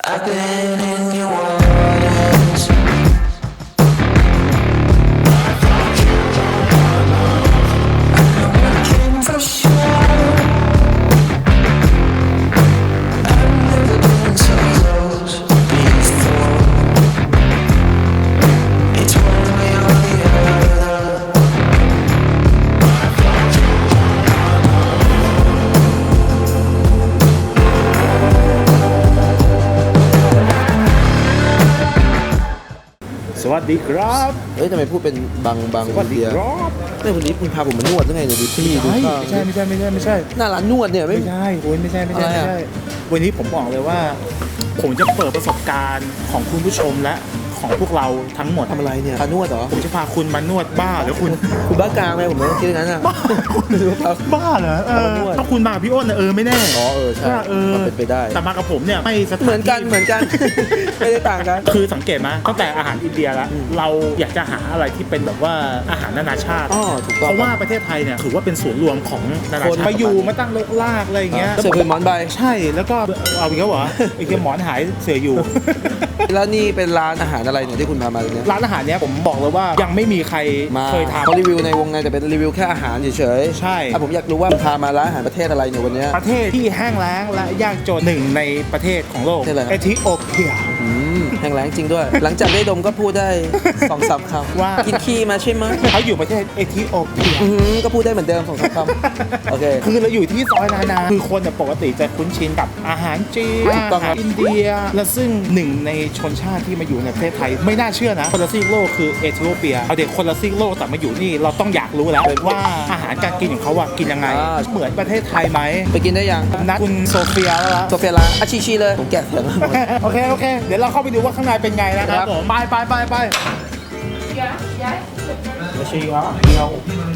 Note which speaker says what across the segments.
Speaker 1: I've been in your waters. I'm looking for sure. I've never been so close before. It's one way or the other.
Speaker 2: สวัสดีครับ
Speaker 3: เฮ้ยทำไมพูดเป็นบาง
Speaker 2: สวัสดี
Speaker 3: เดีย
Speaker 2: ครับ
Speaker 3: เนี่ยคนนี้มึงพาผมมานวดยังไงเนี่ยดูที่ดูข้าง
Speaker 2: ไม่ใช่
Speaker 3: หน้าร้านนวดเนี่ยไม่
Speaker 2: ไม่ใช่โอ้ยไม่ใช่
Speaker 3: อะไรอะ
Speaker 2: วันนี้ผมบอกเลยว่า ผมจะเปิดประสบการณ์ของคุณผู้ชมและของพวกเราทั้งหมด
Speaker 3: ทำอะไรเนี่ยพานวดเหรอ
Speaker 2: ผมจะพาคุณมานวดบ้าหรือคุณ
Speaker 3: คุณบ้ากลางไหมผมไม่ต้องคิดอย่างนั้นอ่ะ
Speaker 2: บ้าเหรอ
Speaker 3: มานวด
Speaker 2: ถ้าคุณมากับพี่อ้นน่ะไม่แน่
Speaker 3: อ๋อใช่ มันเป็นไปได้
Speaker 2: แต่มากับผมเนี่ยไม่สถานที่
Speaker 3: เหมือนกัน ไม่ได้ต่างกัน
Speaker 2: คือสังเกตไหมตั้งแต่อาหารอินเดียแล้วเราอยากจะหาอะไรที่เป็นแบบว่าอาหารนานาชาติ
Speaker 3: อ๋อถูกต้อง
Speaker 2: เพราะว่าประเทศไทยเนี่ยถือว่าเป็นศูนย์รวมของนานา
Speaker 3: คน
Speaker 2: ชาติมาอยู่มาตั้งรกรากอะไรอย่างเงี้ย
Speaker 3: เสือเป็นหมอนใบ
Speaker 2: ใช่แล้วก็เอาอีกแล้วเหรอไอ้เกมหมอนหายเสืออยู่
Speaker 3: แล้วนี่เป็นร้านอาหารอะไรเนี่ยที่คุณพามาเนี่ย
Speaker 2: ร้านอาหารเนี้ยผมบอกเลยว่ายังไม่มีใคร
Speaker 3: มา
Speaker 2: เคยท
Speaker 3: เขารีวิวในวงในแต่เป็นรีวิวแค่อาหารเฉย
Speaker 2: ำใช่
Speaker 3: ๆผมอยากรู้ว่าพามาร้านอาหารประเทศอะไรเนี่ยวันเนี้ย
Speaker 2: ประเทศที่แห้งแล้งและยากจนหนึ่งในประเทศของโลก
Speaker 3: ประเทศอะไร
Speaker 2: เอธิโอเปีย
Speaker 3: แห้งแล้งจริงด้วย หลังจากได้ดมก็พูดได้2-3 คำ
Speaker 2: ว่า
Speaker 3: กินขี้มาใช่ไหม
Speaker 2: เขาอยู่ประเทศเอธิโอเปีย
Speaker 3: ก็พูดได้เหมือนเดิม2-3 คำโอเค
Speaker 2: คือเราอยู่ที่ซอยนานาคือคนเนี่ยปกติจะคุ้นชินกับอาหารจีน
Speaker 3: ถูกต้อง
Speaker 2: อา
Speaker 3: ครั
Speaker 2: หาร
Speaker 3: บ
Speaker 2: อินเดีย และซึ่งหนึ่งในชนชาติที่มาอยู่ในประเทศไทยไม่น่าเชื่อนะคนละซีกโลกคือเอธิโอเปียเอาเด็กคนละซีกโลกแต่มาอยู่นี่เราต้องอยากรู้แล้วว่าอาหารการกินของเขาอะกินยังไง เหมือนประเทศไทยไหม
Speaker 3: ไปกินได้ยัง
Speaker 2: นัดคุณโซเฟียแล้วล่ะ
Speaker 3: โซเฟียร้านอาชีเลยผมแกะเสียงแล้วหมด
Speaker 2: โอเค เดี๋ยวเราเข้าไปดูว่าข้างในเป็นไงนะครับผมไป ไม่ใช่ยะเดียว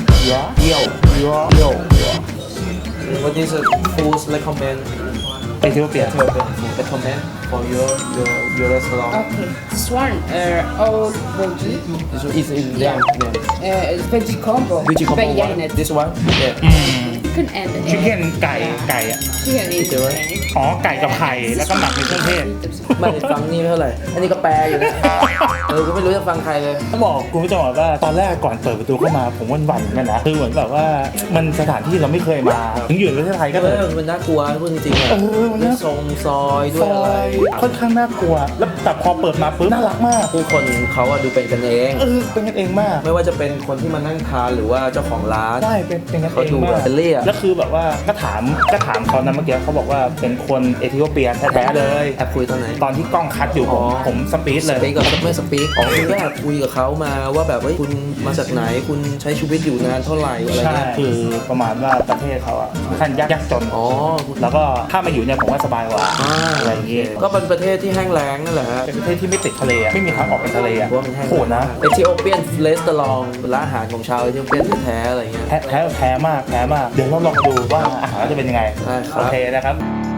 Speaker 3: What is a food recommend
Speaker 2: เอธิโอเปีย
Speaker 3: recommend for your restaurant
Speaker 4: Okay, this one all veggie,
Speaker 3: This one is in them
Speaker 4: veggie combo.
Speaker 3: Veggie combo
Speaker 4: But yeah,
Speaker 3: one
Speaker 4: it's
Speaker 3: This one yeah
Speaker 4: chicken and
Speaker 2: ชิคเก้นไก่อะ
Speaker 4: chicken is
Speaker 3: Chicken.
Speaker 2: อ๋อไก่กับไข่แล้วก็หมักในเครื่องเทศ
Speaker 3: ไม่ฟังนี่ไม่เท่าไหร่ อันนี้ก็แปลอยู่นะก็ไม่รู้จะฟังใครเลย
Speaker 2: ต้องบอกคุณผู้ชมว่าตอนแรกก่อนเปิดประตูเข้ามาผมหวั่นๆเหมือนกันนะคือเหมือนแบบว่ามันสถานที่เราไม่เคยมาถึงอยู่ในประเทศไทยก็เถอะ
Speaker 3: มันน่ากลัวพูดจริงๆอ่ะ
Speaker 2: มัน
Speaker 3: ด้ว
Speaker 2: น่าย
Speaker 3: ทรงซอยด้
Speaker 2: ซ
Speaker 3: วย
Speaker 2: อ
Speaker 3: อะไร
Speaker 2: ยค่อนข้างน่ากลัว แล้วแต่พอเปิดมาปุ๊บน่ารักมาก
Speaker 3: ผู้คนเขาอะดูเป็นกันเอง
Speaker 2: เป็นกันเองมาก
Speaker 3: ไม่ว่าจะเป็นคนที่มานั่งทานหรือว่าเจ้าของร้าน
Speaker 2: ใช่เป็นกัน
Speaker 3: เขา
Speaker 2: เอง
Speaker 3: ดู
Speaker 2: มา
Speaker 3: แบบ
Speaker 2: ก
Speaker 3: เฟรนลี่อะ
Speaker 2: แล้วคือแบบว่าก็ถามเขานะเมื่อกี้เขาบอกว่าเป็นคนเอธิโอเปียแท้ๆเลย
Speaker 3: แอบคุยตอนไหน
Speaker 2: ตอนที่กล้องคัดอยู่ผมสปีดเลย
Speaker 3: สปีกกับไม่สปีกคุณก็แอบคุยกับเขามาว่าแบบว่าคุณมาจากไหนคุณใช้ชีวิตอยู่นานเท่าไหร่อะไร
Speaker 2: ใช่
Speaker 3: เงี้ย
Speaker 2: คือประมาณว่าประเทศเขาอะค่อนข้างยากจน
Speaker 3: อ๋อ
Speaker 2: แล้วก็ถ้ามาอยู่เนี่ยผมว่าสบายกว่าอะไรอย่างงี้
Speaker 3: ก็เป็นประเทศที่แห้งแล้งนั่นแหละฮะ
Speaker 2: เป็นประเทศที่ไม่ติดทะเลอะไม่มีทางออกไปทะเลอะ
Speaker 3: เพราะว่ามันแห้ง
Speaker 2: โหดนะ
Speaker 3: เอธิโอเปียนเรสตอรองเป็นร้านอาหารของชาวเอธิโอเปียนแท้ๆอะไรเงี้ย
Speaker 2: แพ้มากเดี๋ยวเราลองดูว่าอาหารจะเป็นยังไง
Speaker 3: ได้ครับ
Speaker 2: โอเคนะครับ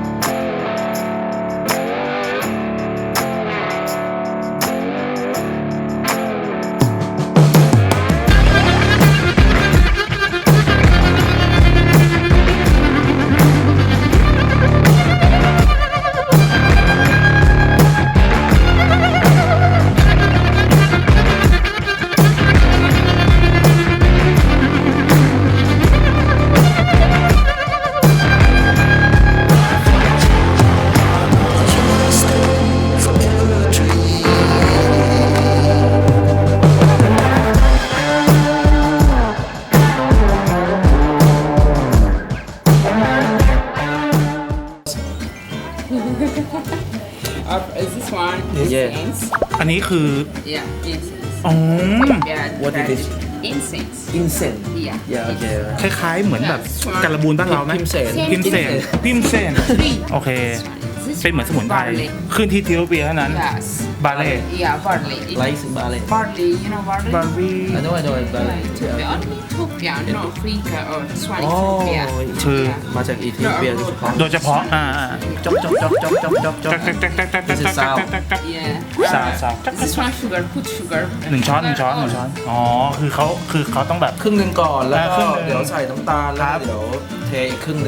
Speaker 4: is this one
Speaker 3: Yeah.
Speaker 4: incense?
Speaker 2: อันนี้คือ
Speaker 4: Yeah, incense.
Speaker 2: อ๋อ
Speaker 4: Yeah,
Speaker 3: What is this?
Speaker 4: Incense.
Speaker 3: อินเซน
Speaker 4: Yeah.
Speaker 3: อย่าโอเค
Speaker 2: คล้ายๆเหมือนแบบการบูนบ้านเราไหม
Speaker 3: พิมเซน
Speaker 2: พิมเซนโอเค
Speaker 4: This
Speaker 2: เป็นเหมือนสมุนไพร
Speaker 4: barley.
Speaker 2: ขึ้นที่เอธิโอเปียเท่านั้น
Speaker 4: Yes.
Speaker 2: บาเล่
Speaker 4: Yeah, barley.
Speaker 3: ไลซ์บาเล
Speaker 4: Barley, you know barley?
Speaker 2: บาร์บี้
Speaker 3: I know bาเล
Speaker 4: The only Ethiopia, no Africa or this one
Speaker 3: อ๋อ
Speaker 4: Ethiopia.
Speaker 2: คือ
Speaker 3: มาจากอีธิโอเปียโดยเฉพาะ
Speaker 2: โดยเฉพาะ
Speaker 3: จ๊อกจ๊อกจ๊อกจ๊อกจ๊อกจ๊อกจ๊อก
Speaker 2: จักจักจักจักจักจักจักจักจักจัก
Speaker 4: Yeah.
Speaker 2: สาวสาว
Speaker 4: This one sugar, put sugar.
Speaker 2: หนึ่งช้อนอ๋อคือเขาต้องแบบ
Speaker 3: ครึ่งหนึ่งก่อนแล้ว
Speaker 2: ครึ่
Speaker 3: ก็
Speaker 2: งหนึ่ง
Speaker 3: เดี๋ยวใส่น้ำตาลแล้ว
Speaker 2: ครั
Speaker 3: ก็
Speaker 2: บ
Speaker 3: เดี๋ยวเทอีกครึ่งหนึ่ง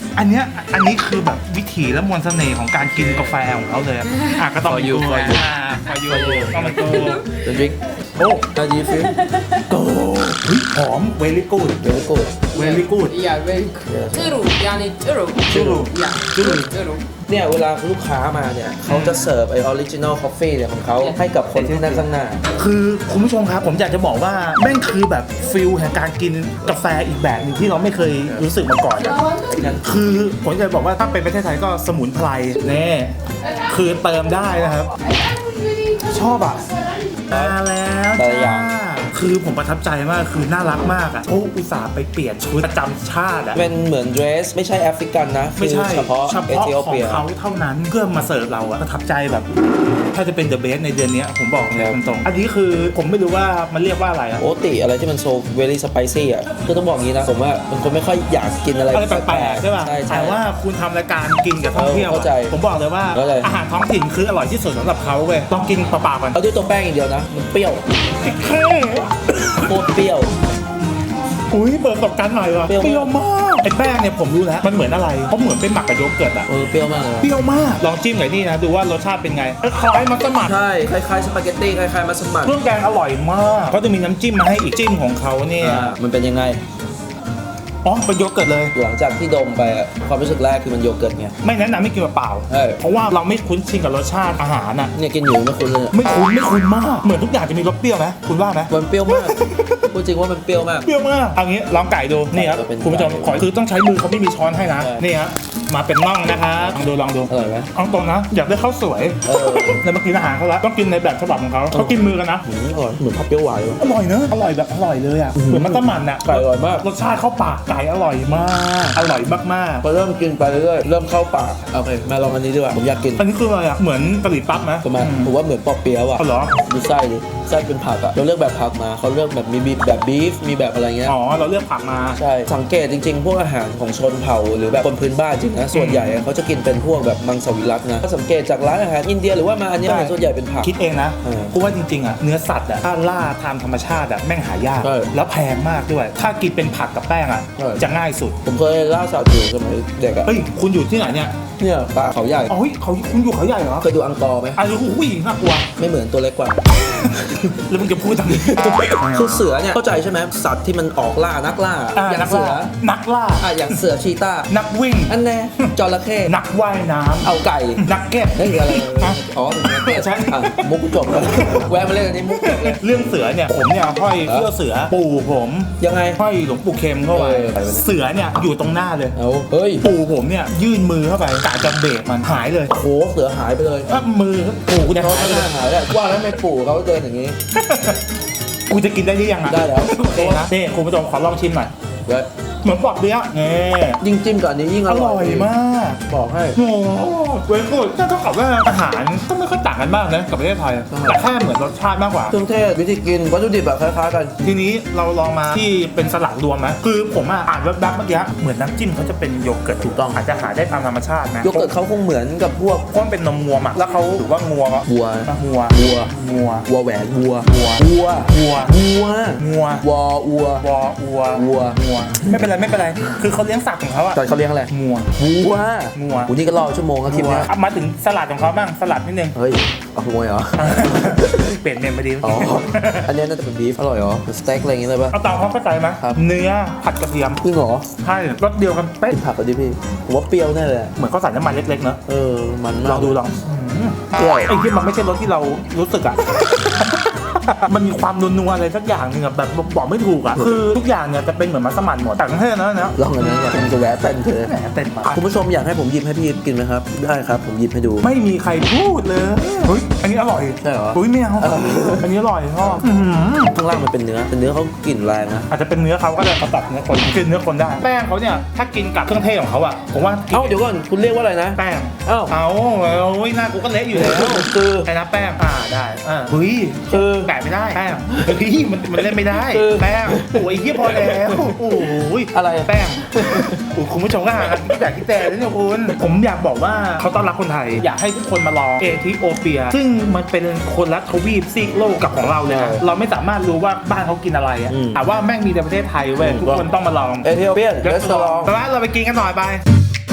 Speaker 2: อันนี้คือแบบวิถีและมวลเสน่ห์ของการกินกาแฟของเขาเลยก็ต้อง
Speaker 3: For you
Speaker 2: กู
Speaker 3: for you
Speaker 2: for you ต้องเป็นกู
Speaker 3: The drink
Speaker 2: โอ้
Speaker 3: How do you feel
Speaker 2: โก้เฮ้ยหอม very good
Speaker 3: Very good
Speaker 2: very good
Speaker 4: Yeah, very good. Turu, yani turu.
Speaker 2: Turu.
Speaker 4: Yeah,
Speaker 2: Turu.
Speaker 4: turu.
Speaker 3: เนี่ยเวลาลูกค้ามาเนี่ยเขาจะเสิร์ฟไอออริจินอลคอฟฟี่เนี่ยของเขาให้กับคนที่นั่งข้างหน้า
Speaker 2: คือคุณผู้ชมครับผมอยากจะบอกว่าแม่งคือแบบฟิลแห่งการกินกาแฟอีกแบบหนึงที่เราไม่เคยรู้สึกมาก่อนอะคือผมจะบอกว่าถ้าเป็นประเทศไทยก็สมุนไพรแน่คือเติมได้นะครับ ชอบอ่ะมาแล้ว
Speaker 3: แต่ละอย่า
Speaker 2: จ้าง คือผมประทับใจมากคือน่ารักมากอ่ะเขาอุตส่าห์ไปเปลี่ยนชุดประจำชาติอ่ะ
Speaker 3: เป็นเหมือนเดรสไม่ใช่แอฟริกันนะ
Speaker 2: ไม่ใช่
Speaker 3: คือเฉพาะเอธิโอ
Speaker 2: ของ
Speaker 3: เปีย
Speaker 2: เขาเท่านั้นเพื่อมาเสิร์ฟเราอะประทับใจแบบถ้าจะเป็นเดอะเบสในเดือนนี้ผมบอกเลยตรงๆอันนี้คือผมไม่รู้ว่ามันเรียกว่าอะไรอะ
Speaker 3: โอติอะไรที่มันโซเวลี่สไปซี่อ่ะคือต้องบอกงี้นะผมว่าเป็นคนไม่ค่อยอยากกินอะไร
Speaker 2: อะไรแปลกๆใช่ป่ะ
Speaker 3: ใช่
Speaker 2: แต่ว่าคุณทำรายการกินกับท่องเที่ยว
Speaker 3: เข้าใจ
Speaker 2: ผมบอกเลยว่า
Speaker 3: เข้าใจ
Speaker 2: อาหารท้องถิ่นคืออร่อยที่สุดสำหรับเขาเว้ยต้องกินเปล่าๆก่อน
Speaker 3: เอาด้วยตัวแป้งอย่างเดียวนะมันเปรี้ยว
Speaker 2: เฮ้
Speaker 3: โคตรเปรี้ยว
Speaker 2: อุ้ยเปิดประสบการณ์ใหม่ว่ะ
Speaker 3: เปรี้ยว
Speaker 2: เปรี้ยวมากไอ้แป้งเนี่ยผมรู้แล้วมันเหมือนอะไรเพราะเหมือนเป็นหมักกับโยเกิร์ตอะ
Speaker 3: เปรี้ยวมากเลย
Speaker 2: เปรี้ยวมากลองจิ้มหน่อยนี่นะดูว่ารสชาติเป็นไงคล้ายๆมัสมั่น
Speaker 3: ใช่คล้ายๆสปาเกตตี้คล้ายๆมัสมั่น
Speaker 2: เครื่องแกงอร่อยมากเขาจะมีน้ำจิ้มมาให้อีกจิ้มของเขาเนี่ย
Speaker 3: มันเป็นยังไง
Speaker 2: อ๋อเป็นโยเกิร์ตเลย
Speaker 3: หลังจากที่ดมไปอะความรู้สึกแรกคือมันโยเกิร์ตไง
Speaker 2: ไม่แนะนำไม่กินเปล่า
Speaker 3: ใช่
Speaker 2: เพราะว่าเราไม่คุ้นชินกับรสชาติอาหารน่ะ
Speaker 3: เนี่ยกินอยู่ไม่คุ้นเลย
Speaker 2: ไม่คุ้นมากเหมือนทุกอย่างจะมีรสเปรี้ยวไหมคุณว่าไหม
Speaker 3: มันเปรี้ยวมากพูดจริงว่ามันเปรี้ยวมาก
Speaker 2: เปรี้ยวมากเอางี้ลองไก่ดูนี่ครับ
Speaker 3: จะเป็น
Speaker 2: คุณผู้ชม
Speaker 3: ไก่
Speaker 2: ขอคือต้องใช้มือเขาไม่มีช้อนให้นะ
Speaker 3: ใช่
Speaker 2: นี่ครับมาเป็นน่องนะครับลองดู
Speaker 3: อร่อยไหม
Speaker 2: เอาตรงนะอยากได้ข้าวสวย
Speaker 3: เออ
Speaker 2: แล้วมากินอาหารเขาแล้วต้องกินในแบบฉบับของเขาเขากินมือกันนะ
Speaker 3: อร่อยเหมือนผัดเปรี้ยวหวานเลย
Speaker 2: อร่อยเนอะอร่อยแบบอร่อยเลยอ่ะเหมือนมัสมั่นอ่ะ
Speaker 3: ไก่อร่อยมาก
Speaker 2: รสชาติเข้าปากไก่อร่อยมากอร่อยมาก
Speaker 3: พอเริ่มกินไปเรื่อยๆเริ่มเข้าปากโอเคมาลองอันนี้ดีกว่าผมอยากกิน
Speaker 2: ๆอันนี้คืออะไรอ่ะเหมือนกะหรี่ปั๊บไหม
Speaker 3: ทำไมผมว่าเหมือนปอเปี๊ยะว่ะ
Speaker 2: อ๋อเหรอ
Speaker 3: ดูไส้ดิไส้เป็นผักอะเราเลือกแบบผักมาเขาเลือกแบบมีแบบบีฟมีแบบอะไรเงี้ย
Speaker 2: อ๋อเราเลือกผักมา
Speaker 3: ใช่สังเกตจริงๆ พวกอาหารของชนเผ่าหรือแบบคนพื้นบ้านจริงนะส่วนใหญ่อะเขาจะกินเป็นพวกแบบมังสวิรัตินะถ้าสังเกตจากร้านอาหารอินเดียหรือว่ามาอันเนี้ย
Speaker 2: ใช่
Speaker 3: ส่วนใหญ่เป็นผัก
Speaker 2: คิดเองนะ
Speaker 3: เออ
Speaker 2: เพราะว่าจริงๆอ่ะเนื้อสัตว์อ่ะถ้าล่าตามธรรมชาติอ่ะแม่งหายาก
Speaker 3: ใช่
Speaker 2: แล้วแพงมากด้วย ถ้ากินเป็นผักกับแป้งอ่ะ
Speaker 3: ใช่
Speaker 2: จะง่ายสุด
Speaker 3: ผมเคยล่าสัตว์อยู่สมัยเด็กอะ
Speaker 2: เฮ้ยคุณอยู่ที่ไหนเนี่ย
Speaker 3: เนี่ยปลาเขาใหญ่
Speaker 2: อ๋อเฮ้ยคุณอยู่เขาใหญ่เหรอ
Speaker 3: เคยดูอังกอร์ไหม
Speaker 2: อ้าวอุ้ยน่ากลัว
Speaker 3: ไม่เหมือนตัวเล็กกว่า
Speaker 2: แล้วมึงจะพูดทำไม
Speaker 3: คือเสือเนี่ยเข้าใจใช่ไหมสัตว์ที่มันออกล่านักล่า อย่าง
Speaker 2: นัก
Speaker 3: เสื
Speaker 2: ล่า
Speaker 3: อ
Speaker 2: นักล่า
Speaker 3: อย่างเสือชีต้า
Speaker 2: นักวิ่ง
Speaker 3: อันแน่จระเข้
Speaker 2: นักว่ายน้ำ
Speaker 3: เอาไก่
Speaker 2: นักเก็ต
Speaker 3: เฮ้ยอะไร
Speaker 2: ฮะ
Speaker 3: อ๋อถึงนักเก็ต
Speaker 2: ใช่
Speaker 3: อ่ะมุกจบแล้วแวะมาเล่นอันนี้มุกจบเลย
Speaker 2: เรื่องเสือเนี่ยผมเนี่ยห้อยเสื้อเสือปู่ผม
Speaker 3: ยังไง
Speaker 2: ห้อยหลวงปู่เข็มเข้าไป
Speaker 3: เออ
Speaker 2: เสือเนี่ยอยู่ตรงหน้าเลย
Speaker 3: เอาเฮ้ย
Speaker 2: ปู่ผมเนี่ยยื่นมือเข้าไปกะจะเบรกมันหายเลย
Speaker 3: โหเสือหายไปเลย
Speaker 2: ถ้ามือปู่กูเนี่ย
Speaker 3: เขา
Speaker 2: หายไป
Speaker 3: ไม่
Speaker 2: เลย
Speaker 3: น่าหายแล้วว่าแล้วทำไม่ปู่เขาเดินอย่างนี้
Speaker 2: กูจะกินได้หรือยังอ่ะ
Speaker 3: ได้แล้ว
Speaker 2: โอเคนะนี่คุณผู้ชมขอลองชิมหน่อย
Speaker 3: เว้ย
Speaker 2: เหมือนปอกเบี้ยนี่
Speaker 3: ยิ่งจิ้มกับอันนี้ยิ่ง
Speaker 2: อ
Speaker 3: อร่
Speaker 2: ร่
Speaker 3: อ
Speaker 2: อย ยมาก
Speaker 3: บอกให้
Speaker 2: โอ้โหเว้ยคุณถ้าต้องกับว่าอาหารก็ไม่ค่อยต่างกันมากนะกับประเทศไทยแต่แค่เหมือนรสชาติมากกว่า
Speaker 3: เครื่องเทศวิธีกินวัตถุดิบแบบคล้ายๆกัน
Speaker 2: ทีนี้เราลองมาที่เป็นสลัดรวมไหมคือผมอ่านแวบๆเมื่อกี้เหมือนน้ำจิ้มเขาจะเป็นโยเกิร์ตถูกต้องอาจจะหาได้ตามธรรมชาตินะ
Speaker 3: โยเกิร์ตเขาคงเหมือนกับพวก
Speaker 2: เพราะมันเป็นนมงัวหมักแล้วเขาถือว่างัวก็
Speaker 3: วัว
Speaker 2: งัว
Speaker 3: วัว
Speaker 2: งัว
Speaker 3: วัวแหวนวัว
Speaker 2: วัว
Speaker 3: วัว
Speaker 2: งัว
Speaker 3: วัว
Speaker 2: งัว
Speaker 3: วอวัว
Speaker 2: วออัว
Speaker 3: วัว
Speaker 2: งัวไม่เป็นไรไม่เป็นไรคือเขาเลี้ยงสัตว์ของเขาอะ
Speaker 3: แต่เขาเลี้ยงอะไร
Speaker 2: งัว
Speaker 3: วัว
Speaker 2: งัว
Speaker 3: วันนี้ก็รอชั่วโมงแล้วคลิปเนี้ย
Speaker 2: งัวมาถึงสลัดของเขาบ้างสลัดนิดนึง
Speaker 3: เฮ้ยเอาขโมยเหรอ
Speaker 2: เปลี่ยนเมนไปดี
Speaker 3: อ๋อ อันนี้น่าจะเป็นบีฟอร่อยเหรอสเต็กอะไรอย่างเงี้ยเลยป่ะ
Speaker 2: เอาตามความเข้าใจไหม
Speaker 3: ครับ
Speaker 2: เนื้อผัดกระเทียม
Speaker 3: จริงเหรอ
Speaker 2: ใช่รสเดียวกันเป๊ะ
Speaker 3: กินผักกันดิพี่ผมว่าเปรี้ยวแน่เลยอะ
Speaker 2: เหมือนเขาใส่น้ำมันเล็กๆเนอะ
Speaker 3: เออมันมาก
Speaker 2: ลองดูลอง
Speaker 3: เปรี้ยว
Speaker 2: ไอ้ที่มันไม่ใช่รสที่เรารู้สึกอะ มันมีความนัวๆอะไรสักอย่างหนึงอะแบบบอกไม่ถูกอะคือทุกอย่างเนี่ยจะเป็นเหมือนมัสมั่นหมดแต่ทั้งเทศนะ
Speaker 3: ลองอันนั้นก่อนผมจะแวะเต้นเถอะ
Speaker 2: แหมเต็มปาก
Speaker 3: คุณผู้ชมอยากให้ผมหยิบให้พี่กินไหมครับ ได้ครับ ผมหยิบให้ดู
Speaker 2: ไม่มีใครพูดเลยเฮ้ยอันนี้อร่อย
Speaker 3: ใช่เหรอ
Speaker 2: อุ้ยไม่เอาอันนี้อร่อยชอบอื้อหือ
Speaker 3: ข้างล่างมันเป็นเนื้อแต่เนื้อเขากลิ่นแรงนะ
Speaker 2: อาจจะเป็นเนื้อเขาก็ได้เขาตัดเนื้อคนกินเนื้อคนได้แป้งเขาเนี่ยถ้ากินกับเครื่องเทศของเขาอะผมว่ากิน
Speaker 3: เอ้าเดี๋ยวก่อนคุณเรียกว่าอะไรนะ
Speaker 2: แป้ง
Speaker 3: เอ้า
Speaker 2: เอาโอ้ยหน้ากูก็เละอยู่แล้ว
Speaker 3: คือ
Speaker 2: ไอ้นะแป้งได้เฮ้ย
Speaker 3: คือ
Speaker 2: แปะไม่ได้แป้งเฮ้ยมันเล่นไม่ได้
Speaker 3: คือ
Speaker 2: แป้งโอ้ยเหี้ยพอแล้วโอ้ย
Speaker 3: อะไร
Speaker 2: แป้งโอ้ยคุณผู้ชมก็หากันอยากคิดแต่เลยเนี่ยคุณผมอยากบอกว่าเขาต้อนรับคนไทยอยากให้ทุกคนมาลองเอธิโอเปีย ซึ่งมันเป็นคนละทวีปซีกโลกกับของเราเลยนะเราไม่สามารถรู้ว่าบ้านเขากินอะไรอะแต่ว่าแม่งมีในประเทศไทยเว้ยทุกคนต้องมาลอง
Speaker 3: เอธิโอเปียนเรสตอรอง
Speaker 2: แต่ว่าเราไปกินกันหน่อยไป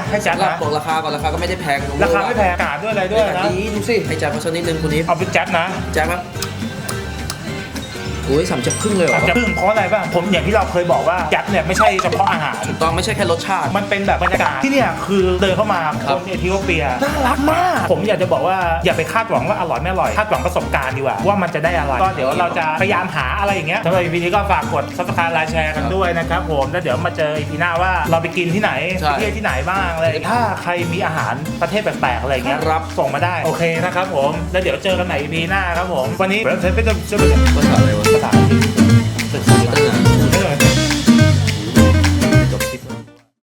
Speaker 2: ให้แจ็ค
Speaker 3: สำหรับ
Speaker 2: นะ
Speaker 3: บอกราคาก่อนราคาก็ไม่ได้แพง
Speaker 2: ราคาไม่แพงอากาศด้วยอะไรด้วยนะ
Speaker 3: ดีดูสิให้แจ็คมาสักนิดนึงคุณนิด
Speaker 2: เอาเป็นแจ็คนะ
Speaker 3: แจ็คครับโอ้ย3 จับครึ่งเลยเหรอ
Speaker 2: จะพึ่งเพราะอะไรบ้างผมอย่างที่เราเคยบอกว่าแจ็คเนี่ยไม่ใช่เฉพาะอาหาร
Speaker 3: ถูกต้องไม่ใช่แค่รสชาติ
Speaker 2: มันเป็นแบบบรรยากาศที่เนี่ยคือเดินเข้ามา
Speaker 3: ค
Speaker 2: ครับ นเอธิโอเปียน่ารักมาก ผมอยากจะบอกว่าอย่าไปคาดหวังว่าอร่อยไม่อร่อยคาดหวังประสบการณ์ดีกว่าว่ามันจะได้อะไรก็เดี๋ยวเราจะพยายามหาอะไรอย่างเงี้ยสำหรับ EP นี้ก็ฝากกด Subscribe ไลค์แชร์กันด้วยนะครับผมแล้วเดี๋ยวมาเจอ EP หน้าว่าเราไปกินที่ไหน
Speaker 3: ใช่
Speaker 2: ไปเที่ยวที่ไหนบ้างอะไรถ้าใครมีอาหารประเทศแปลกๆอะไรอย่างเงี้ย
Speaker 3: ครับ
Speaker 2: ส่งมาได้โอเคนะครับผมแล้วเดี๋ยวเจอกันใหม่ EP หน้าครับผมวันนี้เราจะไปเจอ
Speaker 3: ภาษาอะไรวะ
Speaker 2: ภาษาอังกฤษ